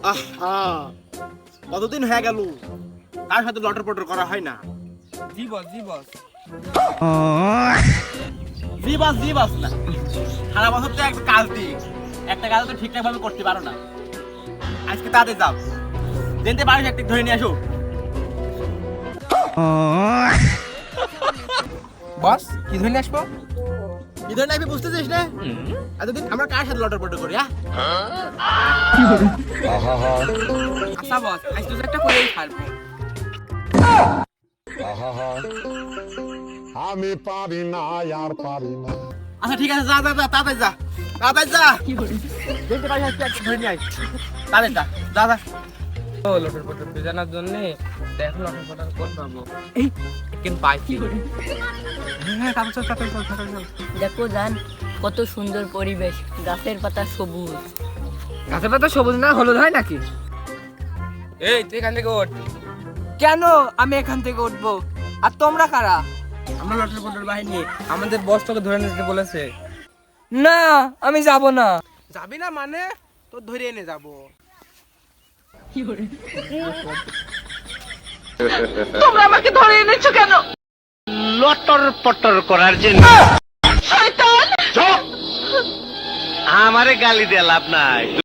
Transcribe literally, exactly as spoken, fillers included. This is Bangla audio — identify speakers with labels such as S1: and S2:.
S1: আহা, কতদিন হয়ে গেল তার সাথে লটর পটর করা হয় না।
S2: জি বস জি বস
S1: জি বাস জি বাস না, সারা বছর তো একটা কাজ দিই, একটা কাজ তো ঠিকঠাক ভাবে করতে পারো না। আজকে তাদের যাও, দিনতে পারিস একটা ধরে নিয়ে আসো।
S2: বস কি ধরে আসবো?
S1: কি ধরে নাকি বুঝতেছিস না? এতদিন আমরা কার সাথে লটর পটর করি?
S2: আচ্ছা বস আজ তো একটা করেই ছাড়বো।
S3: আমি পারি না আর পারি না।
S1: আচ্ছা ঠিক আছে, যা যা যা তাড়াতাড়ি যা, তাড়াতাড়ি যা, দিনতে পারিস আজকে একটা ধরে নিয়ে আয়, তাড়াতাড়ি যা যা যা।
S2: ও লটর পটর বেজানোর জন্য দেখো লটর পটর করতে পারবো। এই কিন্তু পাইছি। হ্যাঁ তাড়াতাড়ি চল তাড়াতাড়ি চল তাড়াতাড়ি চল।
S4: দেখো জান, কত সুন্দর পরিবেশ, গাছের পাতা সবুজ।
S2: গাছের পাতা সবুজ না হলুদ হয় নাকি? এই তুই এখান থেকে ওঠ। কেন আমি এখান থেকে উঠবো? আর তোমরা কারা? আমরা লটর পটর বাহিনী, আমাদের বস তোকে ধরে নিতে বলেছে। না আমি যাব না।
S1: যাবি না মানে তোর ধরে এনে যাবো।
S5: তোমরা আমাকে ধরে এনেছো কেন?
S6: লটর পটর করার জন্য।
S5: শয়তান!
S6: আমারে গালি দিয়ে লাভ নাই।